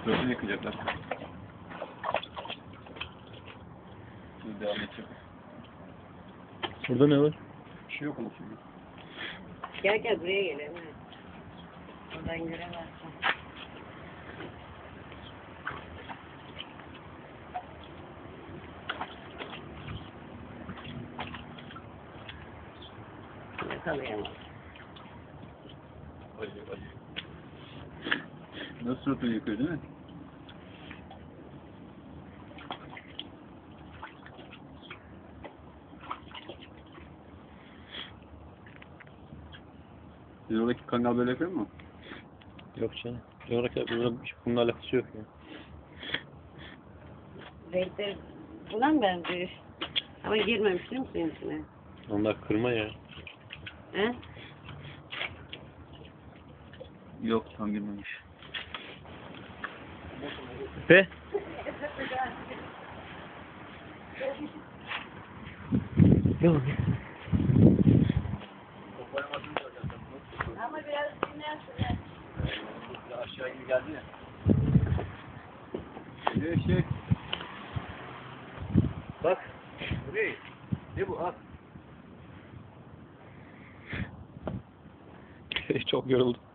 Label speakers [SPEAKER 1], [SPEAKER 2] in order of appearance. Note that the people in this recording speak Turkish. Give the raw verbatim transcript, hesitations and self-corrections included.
[SPEAKER 1] Sırtını yıkayacaklar. Şimdi devam edeceğim.
[SPEAKER 2] Burada ne var?
[SPEAKER 1] Bir şey yok onun şimdi.
[SPEAKER 3] Gel gel buraya gelelim. Oradan göremezsin. Yakalayamam.
[SPEAKER 1] Ay ay. Nasıl sırtını yıkıyor değil mi? Sizin oradaki kangal böyle yapıyor mu?
[SPEAKER 2] Yok canım. Coğrafya burada bununla alakası yok ya.
[SPEAKER 3] Renkleri buna mı benziyor? Ama girmemiş değil mi suyun içine?
[SPEAKER 2] Onlar kırma ya.
[SPEAKER 3] He?
[SPEAKER 1] Yok, tam girmemiş.
[SPEAKER 2] Be. Yok.
[SPEAKER 3] Ama biraz dinlersin.
[SPEAKER 1] Aşağı gibi geldi ya. Şey şey. Bak. Buraya. Ne bu? Al.
[SPEAKER 2] Çok yoruldum.